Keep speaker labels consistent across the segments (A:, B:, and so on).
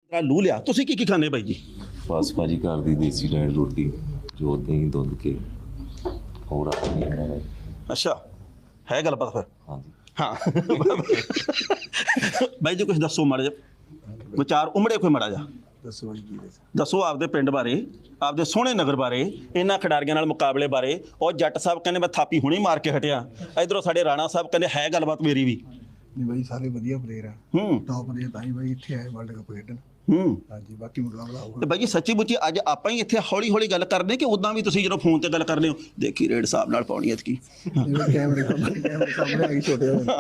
A: ਲੂ ਲਿਆ। ਤੁਸੀਂ ਕੀ ਖਾਂਦੇ ਬਾਈ ਜੀ?
B: ਬਸ ਭਾਜੀ ਘਰ ਦੀ ਦੇਸੀ ਡਾਇਟ ਰੋਟੀ ਜੋ ਦਹੀਂ ਦੁੱਧ ਕੇ ਹੋਰ ਆਪਣੀ ਬਣਾਇਆ।
A: ਅੱਛਾ, ਹੈ ਗੱਲਬਾਤ ਫਿਰ?
B: ਹਾਂਜੀ
A: ਹਾਂ ਬਾਈ ਜੀ ਕੁਝ ਦੱਸੋ ਮਾੜਾ ਜਿਹਾ ਵਿਚਾਰ ਉਮੜੇ ਕੋਈ ਮਾੜਾ ਜਿਹਾ
C: ਦੱਸੋ ਜੀ ਕੀ
A: ਦੱਸੋ ਆਪਦੇ ਪਿੰਡ ਬਾਰੇ, ਆਪਦੇ ਸੋਹਣੇ ਨਗਰ ਬਾਰੇ, ਇਹਨਾਂ ਖਿਡਾਰੀਆਂ ਨਾਲ ਮੁਕਾਬਲੇ ਬਾਰੇ। ਉਹ ਜੱਟ ਸਾਹਿਬ ਕਹਿੰਦੇ ਮੈਂ ਥਾਪੀ ਹੁਣੀ ਮਾਰ ਕੇ ਹਟਿਆ, ਇਧਰੋਂ ਸਾਡੇ ਰਾਣਾ ਸਾਹਿਬ ਕਹਿੰਦੇ ਹੈ ਗੱਲਬਾਤ ਮੇਰੀ ਵੀ।
C: ਨਹੀਂ ਬਾਈ ਸਾਰੇ ਵਧੀਆ ਪਲੇਅਰ ਆ, ਟੌਪ ਦੇ ਤਾਂ ਹੀ ਬਾਈ ਇੱਥੇ ਆਏ ਵਰਲਡ ਕੱਪ ਖੇਡਣ। ਹਾਂਜੀ ਬਾਕੀ ਮੁਕਾਬਲਾ ਹੋਊਗਾ।
A: ਤੇ ਬਾਈ ਜੀ ਸੱਚੀ ਮੁੱਚੀ ਅੱਜ ਆਪਾਂ ਹੀ ਇੱਥੇ ਹੌਲੀ ਹੌਲੀ ਗੱਲ ਕਰਦੇ ਕਿ ਉਦਾਂ ਵੀ ਤੁਸੀਂ ਜਦੋਂ ਫੋਨ ਤੇ ਗੱਲ ਕਰਦੇ ਹੋ ਦੇਖੀ ਰੇਡ ਸਾਹਿਬ ਨਾਲ ਪਾਉਣੀ ਐਤਕੀ
C: ਕੈਮਰੇ ਸਾਹਮਣੇ ਆ ਗਈ ਛੋਟੇ ਹੋ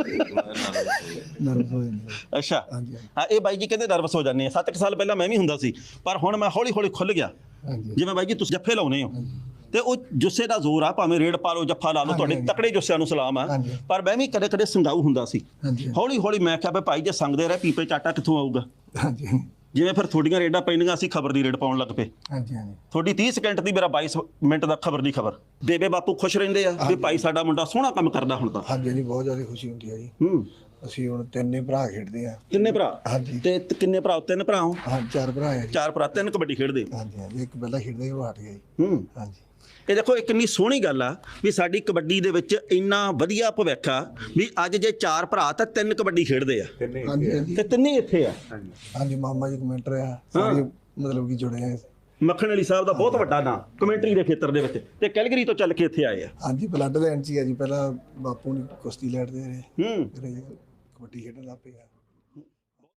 C: ਨਰਵਸ ਹੋ ਜਾਂਦੇ।
A: ਅੱਛਾ
C: ਹਾਂਜੀ
A: ਹਾਂ, ਇਹ ਬਾਈ ਜੀ ਕਹਿੰਦੇ ਨਰਵਸ ਹੋ ਜਾਂਦੇ ਆ। 7 ਸਾਲ ਪਹਿਲਾਂ ਮੈਂ ਵੀ ਹੁੰਦਾ ਸੀ, ਪਰ ਹੁਣ ਮੈਂ ਹੌਲੀ ਹੌਲੀ ਖੁੱਲ ਗਿਆ।
C: ਹਾਂਜੀ
A: ਜਿਵੇਂ ਬਾਈ ਜੀ ਤੁਸੀਂ ਜੱਫੇ ਲਾਉਨੇ ਹੋ ਤੇ ਉਹ ਜੁੱਸੇ ਦਾ ਜ਼ੋਰ ਆ, ਭਾਵੇਂ ਰੇਡ ਪਾ ਲਓ ਜੱਫਾ ਲਾ ਲਓ, ਤੁਹਾਡੇ ਤਕੜੇ ਜੁੱਸਿਆਂ ਨੂੰ ਸਲਾਮ ਆ। ਪਰ ਮੈਂ ਵੀ ਕਦੇ ਕਦੇ ਸੰਗਾਊ ਹੁੰਦਾ ਸੀ। ਹੌਲੀ ਹੌਲੀ ਮੈਂ ਕਿਹਾ ਭਾਈ ਜੇ ਸੰਗਦੇ ਰਹੇ ਪੀਪੇ ਚਾਟਾ ਕਿੱਥੋਂ ਆਊਗਾ।
C: ਹਾਂਜੀ
A: ਜਿਵੇਂ ਫਿਰ ਤੁਹਾਡੀਆਂ ਰੇਡਾਂ ਪੈਂਦੀਆਂ, ਅਸੀਂ ਖਬਰ ਦੀ ਰੇਡ ਪਾਉਣ ਲੱਗ ਪਏ।
C: ਹਾਂਜੀ ਹਾਂਜੀ
A: ਤੁਹਾਡੀ 30 ਸਕਿੰਟ ਦੀ, ਮੇਰਾ 22 ਮਿੰਟ ਦਾ ਖਬਰ ਦੀ ਖਬਰ। ਬੇਬੇ ਬਾਪੂ ਖੁਸ਼ ਰਹਿੰਦੇ ਆ ਵੀ ਭਾਈ ਸਾਡਾ ਮੁੰਡਾ ਸੋਹਣਾ ਕੰਮ ਕਰਦਾ ਹੁਣ ਤਾਂ।
C: ਹਾਂਜੀ ਜੀ ਬਹੁਤ ਜ਼ਿਆਦਾ ਖੁਸ਼ੀ ਹੁੰਦੀ ਹੈ ਜੀ। ਅਸੀਂ ਹੁਣ ਤਿੰਨੇ ਭਰਾ ਖੇਡਦੇ ਆ।
A: ਕਿੰਨੇ ਭਰਾ?
C: ਹਾਂਜੀ
A: ਤੇ ਕਿੰਨੇ ਭਰਾ? 3 ਭਰਾ ਹੋ?
C: ਹਾਂ 4 ਭਰਾ ਹੈ ਜੀ।
A: 4 ਭਰਾ, 3 ਕਬੱਡੀ ਖੇਡਦੇ।
C: ਹਾਂਜੀ ਹਾਂਜੀ ਇੱਕ ਪਹਿਲਾਂ ਖੇਡਦਾ ਸੀ ਉਹ ਹਟ ਗਿਆ ਜੀ। ਹਾਂਜੀ
A: ਇਹ ਦੇਖੋ ਇਹ ਕਿੰਨੀ ਸੋਹਣੀ ਗੱਲ ਆ ਵੀ ਸਾਡੀ ਕਬੱਡੀ ਦੇ ਵਿੱਚ ਇੰਨਾ ਵਧੀਆ ਭਵਿੱਖ ਆ ਵੀ ਅੱਜ ਜੇ 4 ਭਰਾ ਤਾਂ 3 ਕਬੱਡੀ ਖੇਡਦੇ ਆ
C: ਹਾਂਜੀ
A: ਤੇ ਤਿੰਨੇ ਇੱਥੇ ਆ।
C: ਹਾਂਜੀ ਮਾਮਾ ਜੀ ਕਮੈਂਟਰ ਆ ਸਾਰੇ, ਮਤਲਬ ਕਿ ਜੁੜੇ ਆ।
A: ਮੱਖਣ ਅਲੀ ਸਾਹਿਬ ਦਾ ਬਹੁਤ ਵੱਡਾ ਨਾਂ ਕਮੈਂਟਰੀ ਦੇ ਖੇਤਰ ਦੇ ਵਿੱਚ, ਤੇ ਕੈਲਗਰੀ ਤੋਂ ਚੱਲ ਕੇ ਇੱਥੇ ਆਏ ਆ।
C: ਹਾਂਜੀ ਬਲੱਡ ਲੈਣ ਚ ਹੀ ਆ ਜੀ। ਪਹਿਲਾਂ ਬਾਪੂ ਨੇ ਕੁਸ਼ਤੀ ਲੜਦੇ ਰਹੇ, ਫਿਰ ਕਬੱਡੀ ਖੇਡਣ ਲੱਗ ਪਏ ਆ।